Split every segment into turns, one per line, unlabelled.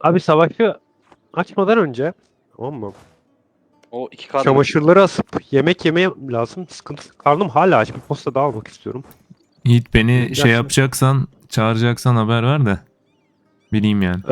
Abi savaşı açmadan önce, tamam mı?
O 2K'da
Çamaşırları asıp yemek yemeye lazım. Sıkıntı. Karnım hala aç. Bir posta daha almak istiyorum.
Yiğit beni
Bizimkiler
şey
şimdi-
yapacaksan, çağıracaksan haber ver de bileyim yani.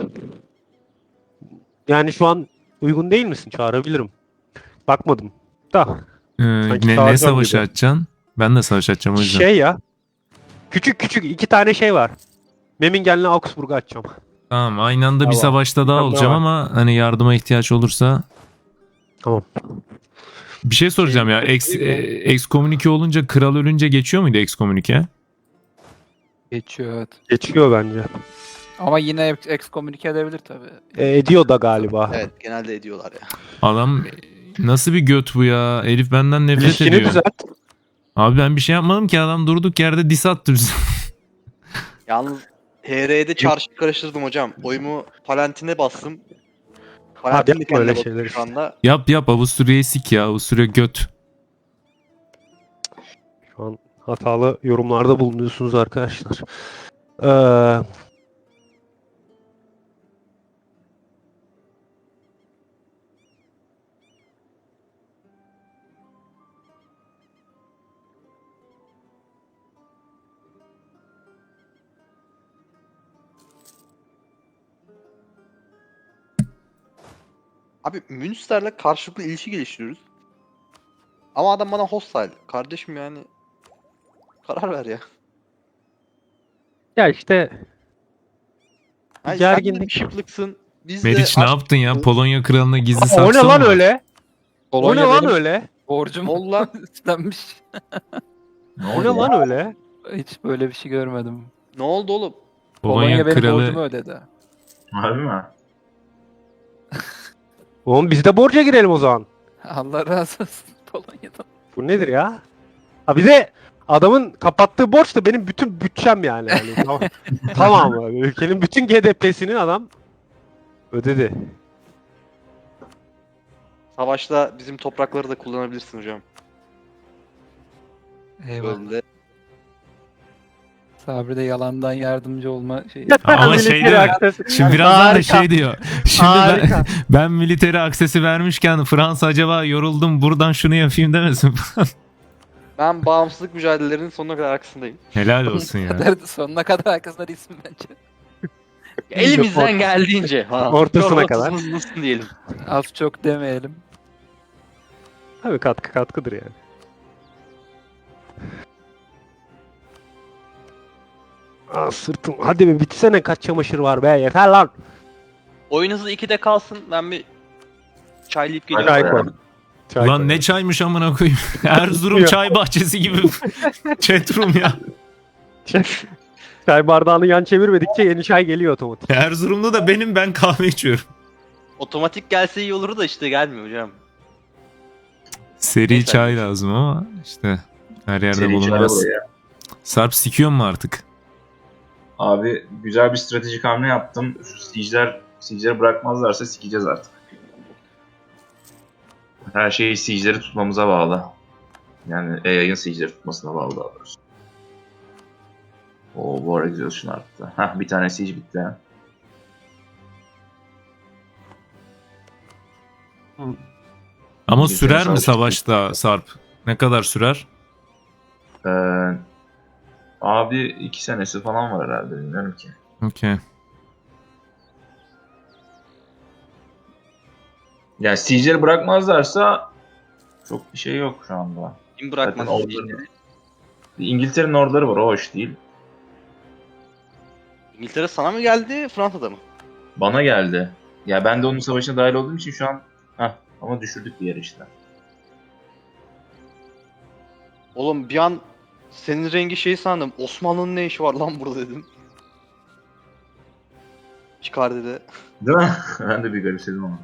Yani şu an uygun değil misin? Çağırabilirim. Bakmadım. Da. Sanki
Ne
çağıracağım
savaşı
gibi.
açacaksın? Ben de savaş açacağım o yüzden.
Şey ya. Küçük küçük iki tane şey var. Memmingen'le Augsburg'u açacağım.
Tamam, aynı anda bir
Tamam.
savaşta daha
Tamam,
olacağım
tamam.
ama hani yardıma ihtiyaç olursa.
Tamam.
Bir şey soracağım ya. Ekskomünike olunca, kral ölünce geçiyor muydu ekskomünike?
Geçiyor evet.
Geçiyor bence.
Ama yine excommunicate edebilir tabii.
Ediyor da galiba.
Evet, genelde ediyorlar ya.
Adam nasıl bir göt bu ya? Herif benden nefret
İlişkini
ediyor.
düzelt.
Abi ben bir şey yapmadım ki, adam durduk yerde diss attı bize.
Yalnız HR'de çarşı karıştırdım hocam. Oyumu Palantin'e bastım. Palantin de
yapma öyle
kendine
şeyler
bakıyor
işte.
şu anda.
Yap Avusturya'yı sik ya. Avusturya göt.
Şu an hatalı yorumlarda bulunuyorsunuz arkadaşlar. Ee,
Abi Münster'le karşılıklı ilişki geliştiriyoruz. Ama adam bana hostile. Kardeşim yani karar ver ya.
ya işte
Yani
gerginlik.
sen de bir şıplıksın. Biz de
Meriç ne
aşk-
yaptın ya? Polonya kralına gizli
o ne
saksı
lan
mı var?
öyle? O ne
Polonya
lan
benim
öyle?
borcum
Molla
üstlenmiş.
O ne lan öyle?
Hiç böyle bir şey görmedim.
ne oldu oğlum?
Polonya
benim borcumu
kralı
ödedi.
Harbi mi?
Oğlum biz de borca girelim o zaman.
Allah razı olsun Polonya'dan.
Bu nedir ya? Ha bir de adamın kapattığı borç da benim bütün bütçem yani. Tamam. Tamam abi. Ülkenin bütün GDP'sini adam ödedi.
Savaşta bizim toprakları da kullanabilirsin hocam.
Eyvallah.
Böyle.
Sabri de yalandan yardımcı olma şeyi.
Ama şey
Military
diyor.
access.
Şimdi birazdan da
Harika.
şey diyor. Şimdi
Harika.
ben militeri aksesi vermişken Fransa acaba yoruldum buradan şunu yapayım demesin.
Ben bağımsızlık mücadelelerinin sonuna kadar arkasındayım.
Helal olsun ya.
Sonuna kadar arkasında ismi bence.
Elimizden geldiğince.
Ortasına kadar.
Hızlısın diyelim.
Az çok demeyelim.
Tabii katkıdır yani. Aa, sırtım. Hadi be bitsene, kaç çamaşır var be, yeter lan.
Oyun hızı 2'de kalsın. Ben bir çaylayıp
Çay
geliyorum.
koy. Çay
Ulan
koy.
ne çaymış amına koyayım. Erzurum
Ya.
çay bahçesi gibi chatroom ya.
Çay bardağını yan çevirmedikçe yeni çay geliyor otomatik.
Erzurum'da da ben kahve içiyorum.
Otomatik gelse iyi olur da işte gelmiyor hocam.
Seri
Neyse.
çay lazım ama işte her yerde
Seri çare
bulunmaz.
buraya.
Sarp sikiyor mu artık?
Abi güzel bir stratejik hamle yaptım. Şu siege'leri bırakmazlarsa sikeceğiz artık. Her şey siege'leri tutmamıza bağlı. Yani yayın siege'leri tutmasına bağlı daha doğrusu. O War Exhaustion arttı. Hah, bir tane siege bitti ha.
Ama
İngiltere
sürer mi
savaşı
savaşta Sarp? Ne kadar sürer?
Ee, abi 2 senesi falan var herhalde, bilmiyorum ki.
Okey.
Yani siege'leri bırakmazlarsa çok bir şey yok şu anda.
Kim bırakmaz
Zaten
diye.
orduları- İngiltere'nin orduları var, o hoş değil.
İngiltere sana mı geldi, Fransa'da mı?
Bana geldi. Ya ben de onun savaşına dahil olduğum için şu an ama düşürdük bir yer işte.
Oğlum bir an senin rengi şey sandım. Osmanlı'nın ne işi var lan burada dedim. Çıkar dedi.
Değil mi? Ben de bir garipsedim onu.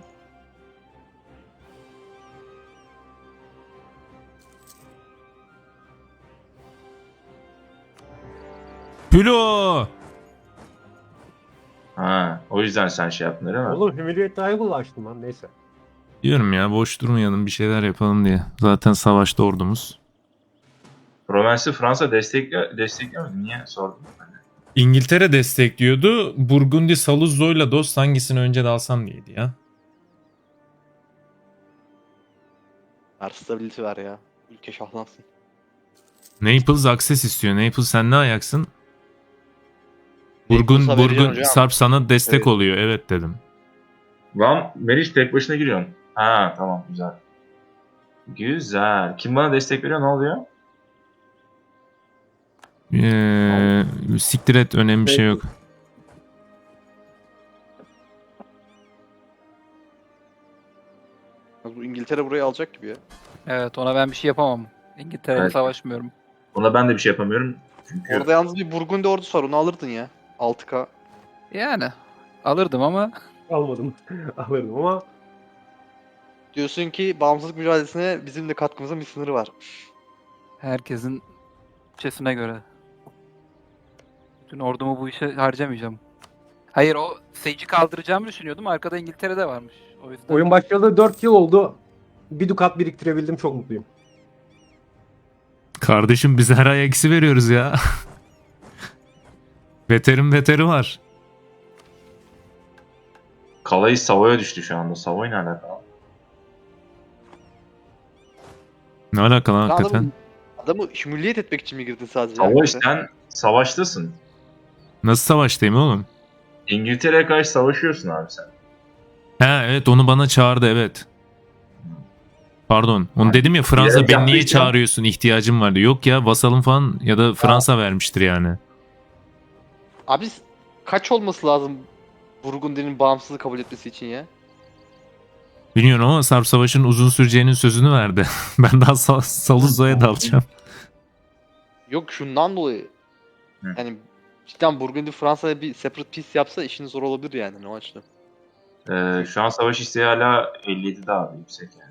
Pülo!
Ha, o yüzden sen şey yaptın değil mi?
Oğlum Humiliate Rival'ı açtım lan, neyse.
Diyorum ya, boş durmayalım, bir şeyler yapalım diye. Zaten savaşta ordumuz.
Provence'i Fransa desteklemedi. Niye sordun?
İngiltere destekliyordu. Burgundi Saluzzo'yla dost, hangisini önce de alsam diyeydi ya.
Her stability ver ya. Ülke şahlansın.
Naples access istiyor. Naples sen ne ayaksın?
Naples'a vereceğim
Burgun
hocam.
Sarp sana destek
Evet.
oluyor. Evet dedim.
Lan Meriç tek başına giriyorsun. Ha tamam güzel. Güzel. Kim bana destek veriyor ne oluyor?
Siktir et, önemli bir şey yok.
Bu İngiltere burayı alacak gibi ya.
Evet, ona ben bir şey yapamam. İngiltere'yle
Evet.
savaşmıyorum.
Ona ben de bir şey yapamıyorum. Çünkü
Orada yalnız bir Burgundi ordusu var, onu alırdın ya. 6K.
Yani alırdım ama
Almadım. Alırdım ama
Diyorsun ki bağımsızlık mücadelesine bizim de katkımızın bir sınırı var.
herkesin bütçesine göre. Bütün ordumu bu işe harcamayacağım. Hayır, o Sage'i kaldıracağımı düşünüyordum. Arkada İngiltere'de varmış. O yüzden.
oyun başlayalı 4 yıl oldu. Bir dukat biriktirebildim, çok mutluyum.
Kardeşim biz her ay eksi veriyoruz ya. Veterin veteri var.
Kalayı Savoy'a düştü şu anda. Savoy ne alakalı?
Ne alakalı
Lan
hakikaten?
Adamı şümülliyet etmek için mi girdin sadece?
Savoy
hakikaten?
sen savaştasın.
Nasıl savaştayım oğlum?
İngiltere'ye karşı savaşıyorsun abi sen.
He evet, onu bana çağırdı, evet. Pardon. Onu
Yani
dedim ya, Fransa
bilerek
beni niye
yaptıysan-
çağırıyorsun, ihtiyacım vardı. Yok ya, vasalım falan ya da Fransa vermiştir yani.
Abi kaç olması lazım Burgundy'nin bağımsızlığı kabul etmesi için ya?
Bilmiyorum ama Sarp Savaş'ın uzun süreceğinin sözünü verdi. Ben daha Saluzzo'ya dalacağım.
Yok şundan dolayı.
Hı.
Yani cidden Burgundy Fransa'ya bir separate peace yapsa işin zor olabilir yani ne o açıdan.
Şu an savaş isteği hala 57'de abi yüksek yani.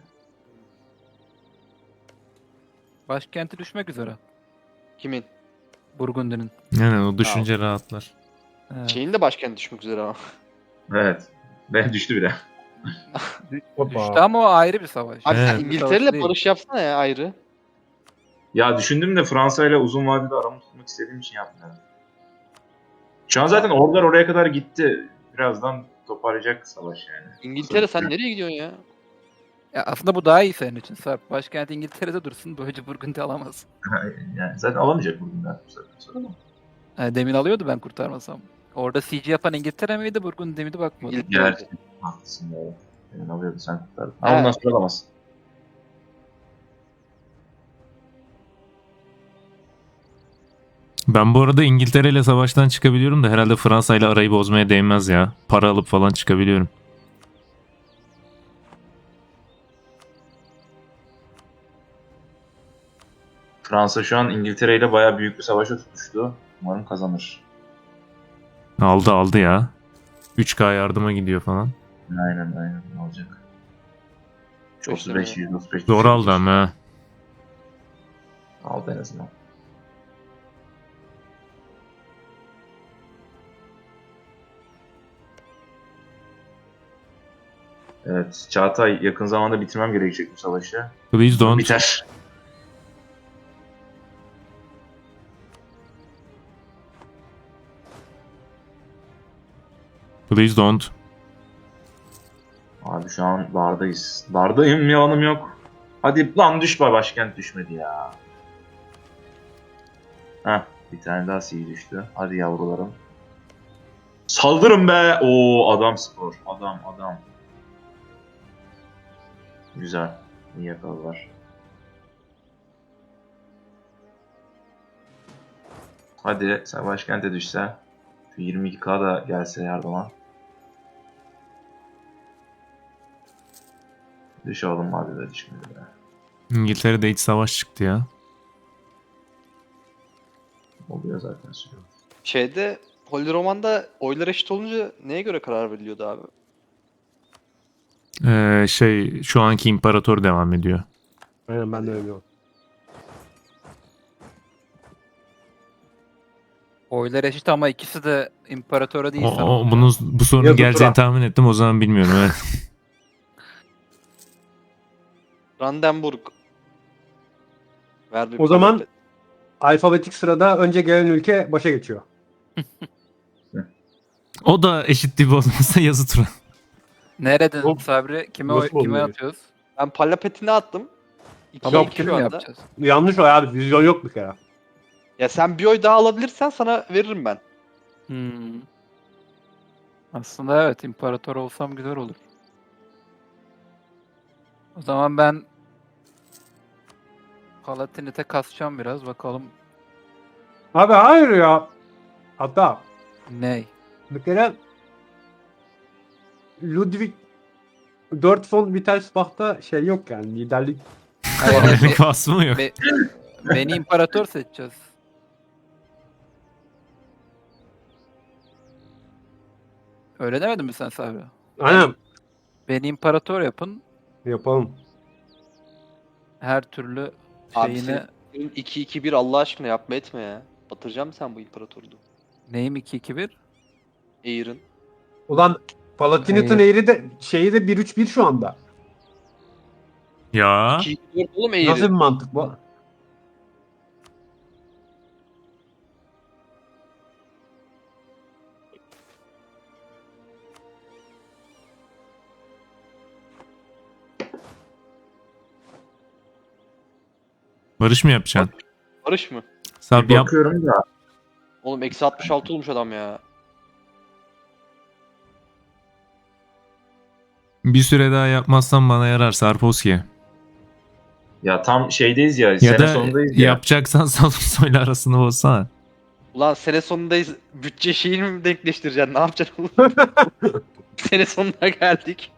Başkenti düşmek üzere.
Kimin?
Burgundy'nin.
Yani o düşünce rahatlar.
Evet.
Şeyin de başkenti düşmek üzere ama.
Evet. Ben düştü bile.
Düştü ama o ayrı bir savaş.
Abi sen
Evet.
İngiltere'yle
Değil.
barış yapsana ya ayrı.
Ya düşündüm de Fransa ile uzun vadede aramı tutmak istediğim için yapmıyorum. Şu an zaten ordular oraya kadar gitti. Birazdan toparlayacak savaş yani.
İngiltere sen nereye gidiyorsun ya?
Ya aslında bu daha iyi senin için Sarp. Başkent İngiltere'de dursun. Böylece Burgundy alamaz.
Yani zaten alamayacak bugün ben bu saatten sonra ama.
Yani demin alıyordu ben kurtarmasam. Orada siege yapan İngiltere miydi, Burgundy miydi bakmadım.
İngiltere.
Gerçi haklısın ya. Yani alıyordu sen kurtardın.
Ha.
Ama bundan sonra alamazsın.
Ben bu arada İngiltere ile savaştan çıkabiliyorum da herhalde Fransa ile arayı bozmaya değmez ya. Para alıp falan çıkabiliyorum.
Fransa şu an İngiltere ile bayağı büyük bir savaşa tutuştu. Umarım kazanır.
Aldı ya. 3K yardıma gidiyor falan.
Aynen ne olacak.
Beş
35 135.
Zor aldı ama ha.
Aldı en azından. Evet, Çağatay yakın zamanda bitirmem gerekecek bu savaşı.
Please don't.
Biter.
Please don't.
Abi şu an bardayız. Bardayım, yalanım yok. Hadi lan düşme, başkent düşmedi ya. Heh, bir tane daha siege düştü. Hadi yavrularım. Saldırın be! Oo adam skor. Adam. Güzel. İyi yakaladılar. Hadi sen başkente düşse. Şu 22K da gelse yardıma. Düş oğlum, hadi de düşmedi be.
İngiltere'de iç savaş çıktı ya.
Oluyor zaten sürüyor.
Şeyde Holy Roman'da oylar eşit olunca neye göre karar veriliyordu abi?
Şu anki imparator devam ediyor.
Aynen, ben de öyle biliyorum.
Oylar eşit ama ikisi de imparatora değil.
Bu sorunun
Yazı
geleceğini
tura.
tahmin ettim, o zaman bilmiyorum. Evet.
Brandenburg. Ver bir
O zaman
palet.
alfabetik sırada önce gelen ülke başa geçiyor.
O da eşit dip olmasa yazı tura.
Nereden
Hop.
Sabri? Kime,
Nasıl
kime
oluyor?
atıyoruz?
Ben Palapet'ini attım. 2'ye
Tamam
2
kim
şu
mi
anda.
yapacağız?
Yanlış o abi. Vizyon yok bir kere.
Ya sen bir oy daha alabilirsen sana veririm ben.
Hmm. Aslında evet, imparator olsam güzel olur. O zaman ben Palatinate kasacağım biraz, bakalım
Abi hayır ya. Hatta
ney.
bir kere Ludwig 4 von Wittelsbach'ta şey yok yani liderlik.
Hayır, hayır,
Öyle vasfı mı yok?
beni imparator seçeceğiz. Öyle demedin mi sen Sabri?
Aynen.
Beni imparator yapın.
Yapalım.
Her türlü
Abi
şeyini...
senin 2-2-1 Allah aşkına yapma etme ya. Batıracağım sen bu imparatorluğu.
Neyim 2-2-1?
Air'ın.
Ulan Palatinat'ın eğri de şeyi de 1-3-1 şu anda.
Ya
2-2-4 oğlum
Nasıl bir
Air'ın.
mantık bu?
barış mı yapacaksın?
Barış mı?
Sab
Bir
yap.
bakıyorum da.
Oğlum eksi 66 olmuş adam ya.
Bir süre daha yapmazsan bana yarar Sarposki.
Ya tam şeydeyiz ya.
Ya
Sene
da
sonundayız ya.
yapacaksan Salonsoyla arasında olsana.
Ulan sene sonundayız. Bütçe şeyini mi denkleştireceksin? Ne yapacaksın oğlum? Sene sonuna geldik.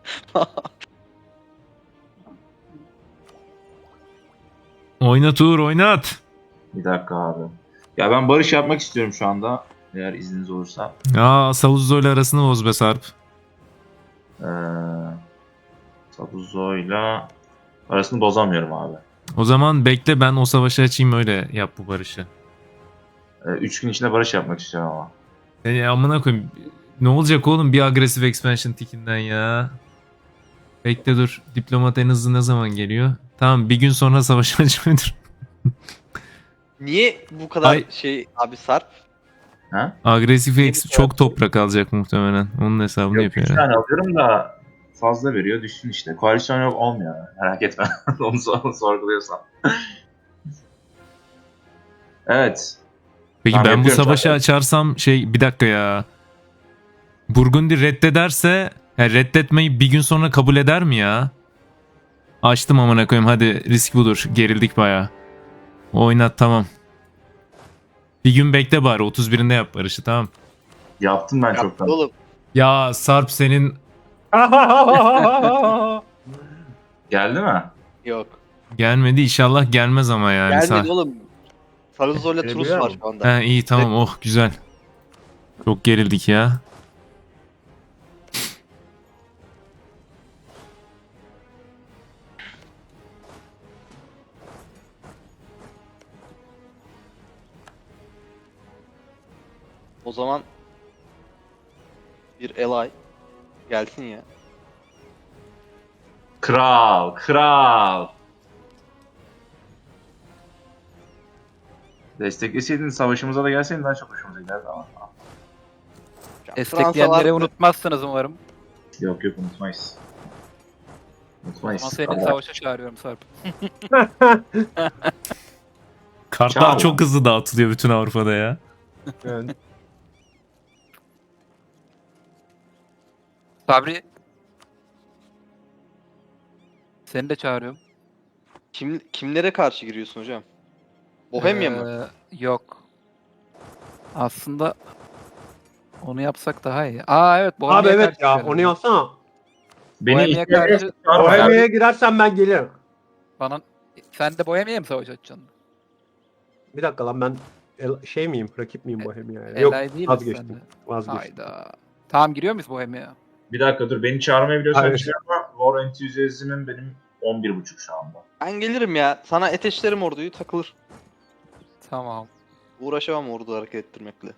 Oynat Uğur oynat.
Bir dakika abi. Ya ben barış yapmak istiyorum şu anda. Eğer izniniz olursa.
Ya Saluzzo'yla arasını boz be Sarp.
Ee, Sabuzo'yla arasını bozamıyorum abi.
O zaman bekle ben o savaşı açayım öyle yap bu barışı.
3 gün içinde barış yapmak istiyorum ama.
Amına koyayım. Ne olacak oğlum bir agresif expansion tikinden ya. Bekle dur. Diplomat en hızlı ne zaman geliyor? Tamam bir gün sonra savaş açmaydır.
Niye bu kadar
Ay.
şey abi Sarp?
Ha?
Agresif
Yeni
ex çok toprak alacak muhtemelen. Onun hesabını
Yok,
yapıyor
3
herhalde.
tane alıyorum da fazla veriyor. Düşsün işte. Koalisyon yok olmuyor. Merak etme. Onu sorguluyorsan. Evet.
Peki
Tamam,
ben bu
yapıyorum
savaşı
zaten.
açarsam bir dakika ya. Burgundi reddederse reddetmeyi bir gün sonra kabul eder mi ya? Açtım amına koyayım hadi risk budur. Gerildik baya. Oynat tamam. Bir gün bekle bari 31'inde yap barışı tamam.
Yaptım ben
Yaptı
çoktan.
oğlum.
Ya Sarp senin
Geldi mi?
Yok.
gelmedi inşallah gelmez ama yani.
Gelmedi oğlum. Sarızor'la
Öyle
Trus
biliyor
var
musun?
şu anda.
He iyi tamam oh güzel. Çok gerildik ya.
O zaman bir ally gelsin ya.
Kral, kral. Destekleseydin savaşımıza da gelseydin daha çok hoşumuza giderdi ama.
Destekleyenleri
vardı.
unutmazsınız umarım.
Yok yok unutmayız.
Ama
Unutmayız.
seni
Allah.
savaşa çağırıyorum Sarp.
Kartlar
Çal.
çok hızlı dağıtılıyor bütün Avrupa'da ya.
Evet.
Sabri. Seni de çağırıyorum.
Kimlere karşı giriyorsun hocam? Bohemia mı?
Yok. Aslında onu yapsak daha iyi. Aa evet, Bohemia'ya
Abi evet
karşı
ya
girelim.
onu yapsana.
Beni
Bohemia
ihtiyacı
karşı-
çağırma ya.
Bohemia'ya girersen ben gelirim.
Bana... Sen de Bohemia'ya mı savaş açacaksın?
Bir dakika lan ben şey miyim? Rakip miyim Bohemia'ya? Yok
Elay değil
vazgeçtim.
misin
Vazgeçtim.
Hayda. Tamam, giriyor muyuz Bohemia'ya?
Bir dakika dur beni çağırmayı biliyorsan
Hayır.
bir şey yapma. War Enthusiasm'im benim 11.5 şu anda.
Ben gelirim ya. Sana ateşlerim orduyu takılır.
Tamam.
Uğraşamam ordu hareket ettirmekle.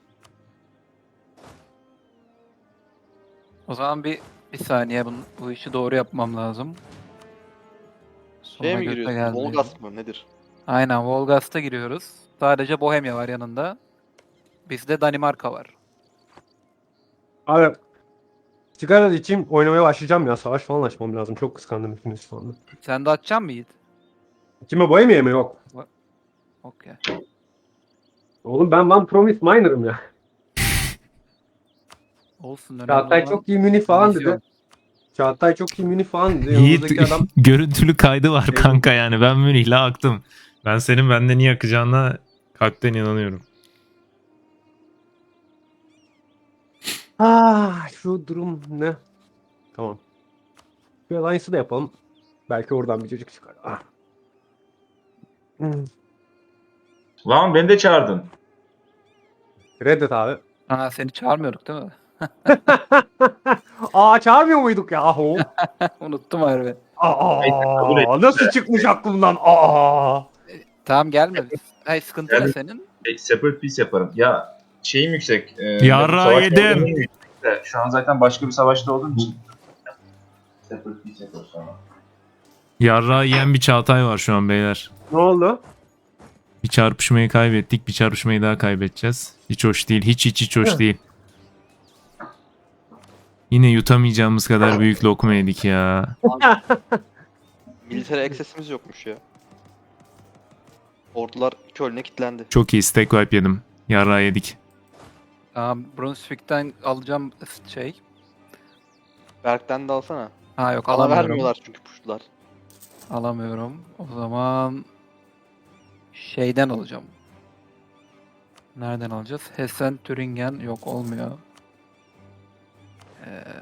O zaman bir saniye bu işi doğru yapmam lazım.
Şeye mi
göte
giriyorsun?
geldi.
Volgas mı? Nedir?
Aynen, Volgast'a giriyoruz. Sadece Bohemia var yanında. Bizde Danimarka var.
Abi sigara içeyim oynamaya başlayacağım ya. Savaş falan açmam lazım. Çok kıskandım hepiniz şu anda.
Sen de atacaksın mı Yiğit?
Kime boya mı yok?
Okey.
Oğlum ben One Promise Miner'ım ya.
Olsun, önemli
Çağatay
olan
çok iyi mini falan
vizyon.
dedi. Çağatay çok iyi mini falan dedi.
Yiğit
Yanımızdaki adam
görüntülü kaydı var
Evet.
kanka yani. Ben Münih'le aktım. Ben senin benden iyi akacağına kalpten inanıyorum.
şu durum ne? Tamam. Bir alliance'ı da yapalım. Belki oradan bir çocuk çıkar. Hmm.
Lan beni de çağırdın.
Reddet abi.
Ha, seni çağırmıyorduk değil mi?
Çağırmıyor muyduk yahu?
Unuttum harbi.
kabul et.
Nasıl çıkmış aklımdan?
Tamam, gelme. Hayır, sıkıntı ne
Yani-
senin?
Separate piece yaparım. Ya şeyim yüksek.
Yarrağı
savaş
yedim.
ortamım yüksek de, şu an zaten başka bir savaşta olduğum için. Separate piece yaparız sonra.
Yarrağı yiyen bir Çağatay var şu an beyler.
Ne oldu?
Bir çarpışmayı kaybettik. Bir çarpışmayı daha kaybedeceğiz. Hiç hoş değil. Hiç hoş değil. Yine yutamayacağımız kadar büyük lokma yedik ya.
Military access'imiz yokmuş ya. Ordular Köln'e kilitlendi.
Çok iyi stack wipe yedim. Yarrağı yedik.
Tamam, Brunswick'ten alacağım şey.
Berk'ten de alsana.
Ha yok,
Bana
alamıyorum.
vermiyorlar çünkü push'lar.
Alamıyorum. O zaman şeyden alacağım. Nereden alacağız? Hessen, Thüringen yok, olmuyor. Ee,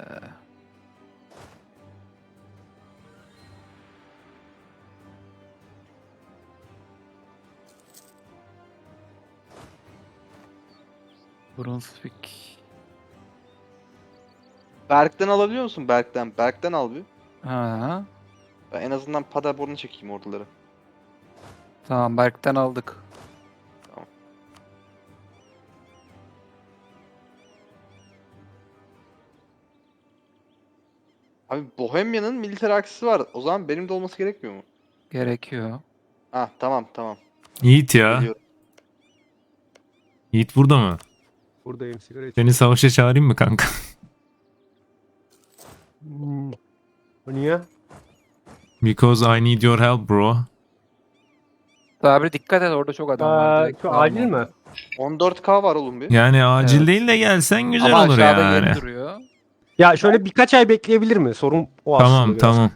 Brunswick.
Berk'ten alabiliyor musun? Berk'ten al bir.
Ha,
Ben en azından Paderborn'a çekeyim orduları.
tamam, Berk'ten aldık.
Abi Bohemia'nın military access'i var. O zaman benim de olması gerekmiyor mu?
Gerekiyor.
Tamam.
Yiğit ya.
Geliyorum.
Yiğit burada mı?
Buradayım sigara içiyorum.
Seni savaşa çağırayım mı kanka?
O niye?
Because I need your help bro.
Sabri dikkat et, orada çok adam var. Direkt
Şu
alma.
acil mi?
14k var oğlum bir.
Yani acil
Evet.
değil de gelsen güzel
Ama
olur
aşağıda
yani.
yeri duruyor.
Ya şöyle birkaç ay bekleyebilir mi? Sorun o aslında
Tamam
biraz.
tamam.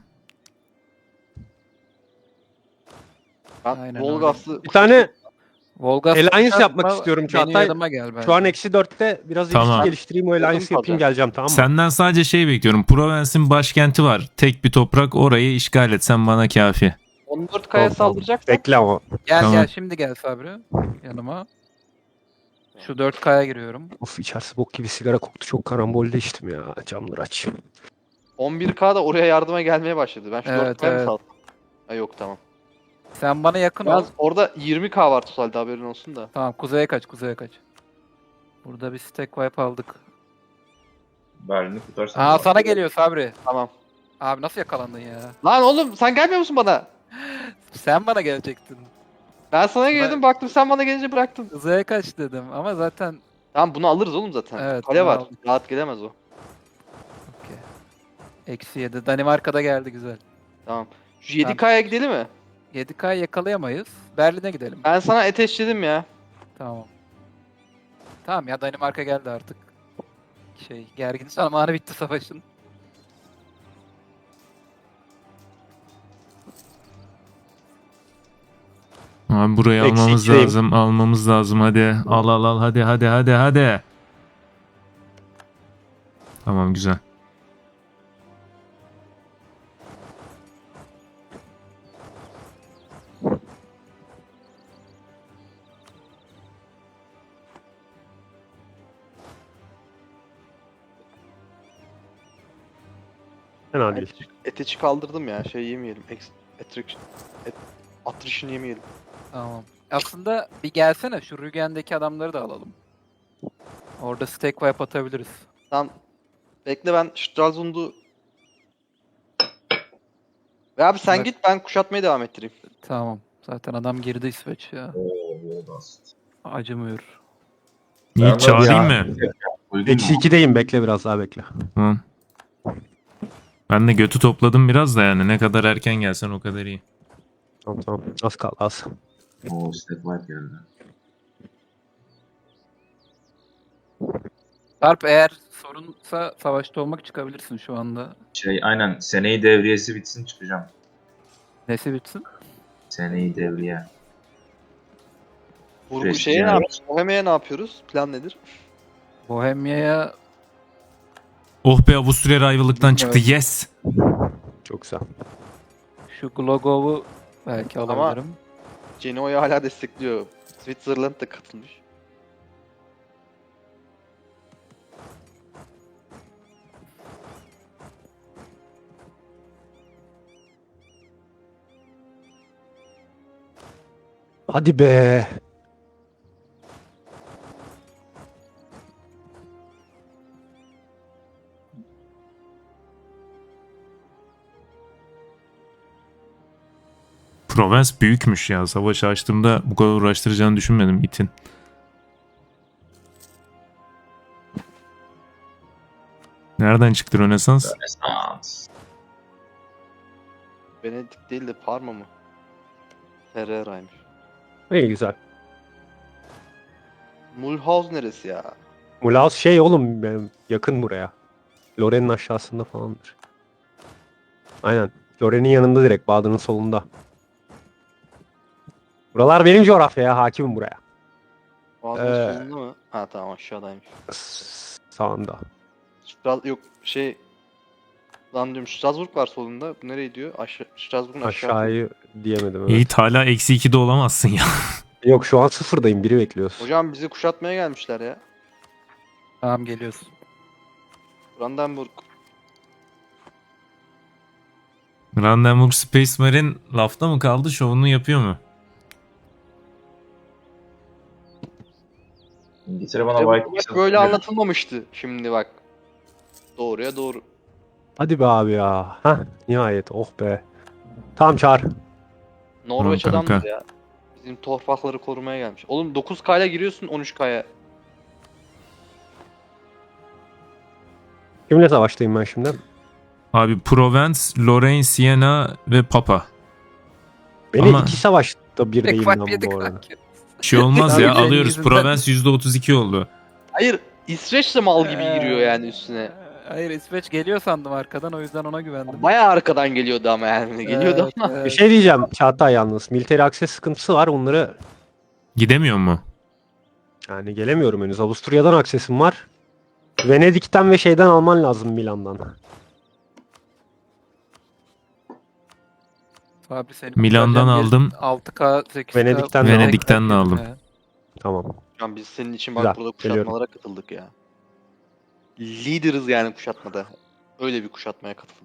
Ben
Aynen
Volgaslı
Bir tane
Volga
Alliance yapmak istiyorum Çağatay.
Benim yanıma gel bence.
şu an -4'te biraz
Tamam.
ilişki geliştireyim. O Alliance
Yakın
yapayım geleceğim, tamam mı?
Senden sadece şey bekliyorum. Provence'in başkenti var. Tek bir toprak, orayı işgal etsen bana kafi.
14k'ya
Tamam.
saldıracaksan
Bekle ama.
Gel
Tamam.
gel, şimdi gel Sabri yanıma. Şu 4K'ya giriyorum.
Of, içerisi bok gibi sigara koktu. Çok karambolde içtim ya. Camları aç.
11k da oraya yardıma gelmeye başladı. Ben şu
Evet,
4k'ya mı
evet.
saldım? Ha yok tamam.
Sen bana yakın ol.
Yalnız orada 20k var totalde, haberin olsun da.
Tamam, kuzeye kaç, kuzeye kaç. Burada bir stack wipe aldık.
Berlin'i kurtarsan.
Aa, sana geliyor Sabri.
Tamam.
Abi nasıl yakalandın ya?
Lan oğlum sen gelmiyor musun bana?
Sen bana gelecektin.
Ben sana geldim, baktım sen bana gelince bıraktın.
Kuzeye kaç dedim ama zaten
Tamam, bunu alırız oğlum zaten.
Evet,
Kale
bunu
var.
aldık.
Rahat gelemez o.
okey. -7. Danimarka'da geldi, güzel.
Tamam. Şu 7k'ya gidelim mi?
7K'yı yakalayamayız. Berlin'e gidelim.
Ben sana ateşledim ya.
Tamam. Tamam ya, Danimarka geldi artık. Gergin zamanı bitti savaşın.
Abi burayı
Eksi
almamız
ikideyim.
lazım. Almamız lazım hadi. Al hadi. Tamam güzel.
Fena değil.
Ateşi kaldırdım ya. Şey yemeyelim. Attrition yemeyelim.
Tamam. Aslında bir gelsene, şu Rügen'deki adamları da alalım. Orada stack wipe atabiliriz.
Tamam. Bekle, ben Stralsund'u... Ve abi sen
Bak.
git, ben kuşatmaya devam ettireyim.
Tamam. Zaten adam girdi İsveç ya.
Oo, Volgas.
Acımıyor.
Yiğit çağırayım
Ya.
mı?
Uygun
Eksi
mu?
2'deyim, bekle biraz daha bekle.
Tamam. Ben de götü topladım biraz da yani. Ne kadar erken gelsen o kadar iyi.
Tamam. Az kaldı az.
Oo, step light geldi.
Sarp eğer sorunsa savaşta olmak çıkabilirsin şu anda.
Aynen seneyi devriyesi bitsin çıkacağım.
Nesi bitsin?
Seneyi devriye.
Vurgu
Prestij
şeye ne
yani.
yapıyoruz? Bohemia'ya ne yapıyoruz? Plan nedir?
Bohemia'ya
Oh be, Avusturya Ayvalık'tan çıktı.
Evet.
Yes.
Çok güzel.
şu Glogov'u belki
Ama-
alabilirim.
Genoa'yı hala destekliyor. Switzerland da katılmış.
Hadi be.
Provence büyükmüş ya. Savaş açtığımda bu kadar uğraştıracağını düşünmedim itin. Nereden çıktı Rönesans?
Rönesans.
Venedik değil de Parma mı? Ferrera'ymış.
İyi güzel.
Mulhouse neresi ya?
Mulhouse şey oğlum, yakın buraya. Loren'in aşağısında falandır. Aynen. Loren'in yanında direkt, Baden'in solunda. Buralar benim coğrafyaya, hakimim buraya.
Boğazın solunda mı? Ha tamam aşağıdaymış.
Sağında.
Yok şey... Lan diyorum Strasbourg var solunda. Bu nereye gidiyor? Strasbourg'un aşağı.
Aşağıyı diyemedim. Evet.
Yiğit hala eksi 2'de olamazsın ya.
Yok şu an sıfırdayım. Biri bekliyoruz.
Hocam bizi kuşatmaya gelmişler ya.
Tamam geliyorsun.
Brandenburg.
Brandenburg Space Marine lafta mı kaldı, şovunu yapıyor mu?
İngiltere bana
Ya bu
Vikings
maç böyle
hatırlıyor.
anlatılmamıştı. Şimdi bak. Doğruya doğru.
Hadi be abi ya. Hah, nihayet. Oh be. Tamam çağır.
Norveç
Tamam kanka.
adamdır ya. Bizim torpakları korumaya gelmiş. Oğlum 9K'ya giriyorsun 13K'ya.
Kimle savaştayım ben şimdi?
Abi Provence, Lorraine, Siena ve Papa.
Beni
Ama-
iki savaşta bir
Tek
değilim
fark
lan
yedik
bu arada.
kanki.
Bir şey olmaz ya,
Abi senin
alıyoruz.
yüzünden-
Provence %32 oldu.
Hayır İsveç de mal gibi giriyor yani üstüne.
Hayır İsveç geliyor sandım arkadan, o yüzden ona güvendim.
Bayağı arkadan geliyordu ama yani. Geliyordu
Evet,
ama.
evet.
Bir şey diyeceğim Çağatay yalnız. Military access sıkıntısı var. Onları
Gidemiyor mu?
yani gelemiyorum henüz. Avusturya'dan aksesim var. Venedik'ten ve şeyden alman lazım, Milan'dan.
Fabri senin
Milan'dan
kurtaracağın
aldım.
6K 8K.
Venedik'ten de
Venedik'ten de aldım.
Tamam.
Hocam biz senin için
Güzel,
bak burada
geliyorum.
kuşatmalara katıldık ya. Lideriz yani kuşatmada. Öyle bir kuşatmaya katıldım.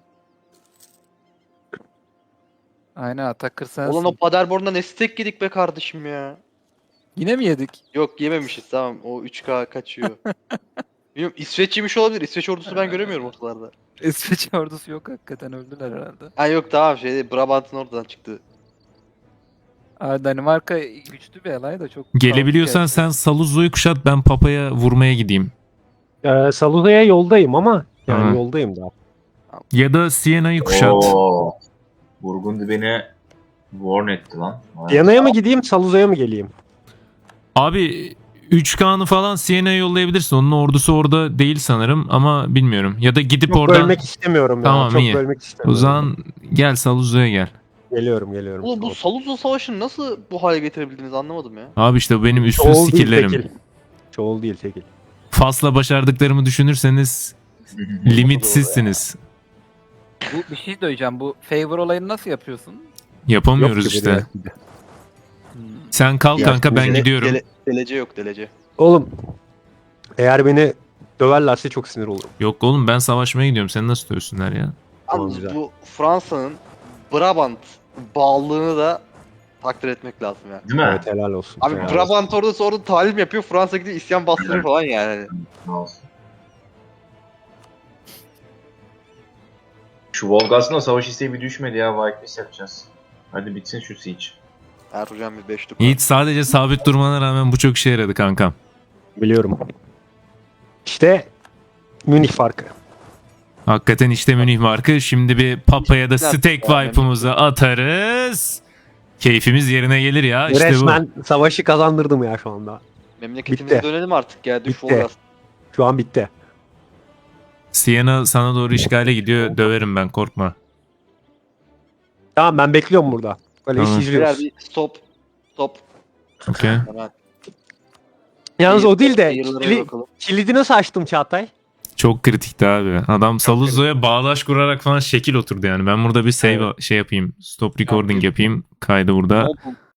Aynen Atakır sensin.
Ulan o Paderborn'da ne steak yedik be kardeşim ya.
Yine mi yedik?
Yok yememişiz tamam o 3K kaçıyor. Bilmiyorum İsveç yemiş olabilir. İsveç ordusu ben göremiyorum ortalarda.
İsveç ordusu yok hakikaten, öldüler herhalde.
Ha yok tamam şey Brabant'ın oradan çıktı.
Aa, Danimarka güçlü bir alay da çok...
Gelebiliyorsan
kaotik
sen Saluzzo'yu kuşat, ben Papa'ya vurmaya gideyim.
Saluza'ya yoldayım ama yani
Tamam.
yoldayım daha.
Ya da Siena'yı kuşat.
Oo. Burgundy beni warn etti lan. Vay.
Viyana'ya mı gideyim, Saluza'ya mı geleyim?
Abi 3K'nı falan Siena'ya yollayabilirsin. Onun ordusu orada değil sanırım ama bilmiyorum. Ya da gidip
Çok
oradan...
bölmek istemiyorum
Tamam,
ya. Çok
iyi.
bölmek
O
istemiyorum.
zaman gel Saluzzo'ya gel.
Geliyorum.
Oğlum bu Saluzzo Savaşı'nı nasıl bu hale getirebildiniz anlamadım ya.
Abi işte bu benim üstsüz
Çoğul değil
skill'lerim.
tekil. Çoğul değil tekil.
Fas'la başardıklarımı düşünürseniz limitsizsiniz.
Bu bir şey söyleyeceğim. Bu favor olayını nasıl yapıyorsun?
Yapamıyoruz
Yok ki
işte.
buraya.
Sen kal kanka, ben gidiyorum.
Delece yok delece.
Oğlum eğer beni döverlerse çok sinir olurum.
Yok oğlum, ben savaşmaya gidiyorum. Sen nasıl dövsünler ya?
Tamam,
Yalnız
güzel.
bu Fransa'nın Brabant bağlılığını da takdir etmek lazım yani.
Değil mi?
Evet helal olsun.
Abi
helal
Brabant orada talim yapıyor. Fransa gidiyor isyan bastırıyor falan yani.
Ne olsun. Şu Volgas'ın savaş isteği bir düşmedi ya. Vikings yapacağız. Hadi bitsin şu siege.
Erdoğan bir 5'lik.
Yiğit, sadece sabit durmana rağmen bu çok işe yaradı kankam.
Biliyorum. İşte Münih farkı.
Hakikaten işte Münih markı. Şimdi bir Papa'ya da
Güzel.
steak
Yani
vibe'ımızı atarız. Keyfimiz yerine gelir ya. İşte bu.
Resmen savaşı kazandırdım ya şu anda.
Memleketimize
Bitti.
dönelim artık ya. Düş
Bitti.
Volgas.
Şu an bitti.
Siena sana doğru işgale gidiyor. Döverim ben, korkma.
Tamam ben bekliyorum burada. Böyle
Tamam.
iş izliyoruz.
Birer bir stop. Stop.
Okey.
Hemen.
Yalnız o değil de
Seyirlere bakalım.
kilidi nasıl açtım Çağatay?
Çok kritikti abi. Adam Saluzzo'ya bağdaş kurarak falan şekil oturdu yani. Ben burada bir save şey yapayım. Stop recording yapayım. Kaydı burada.
Open.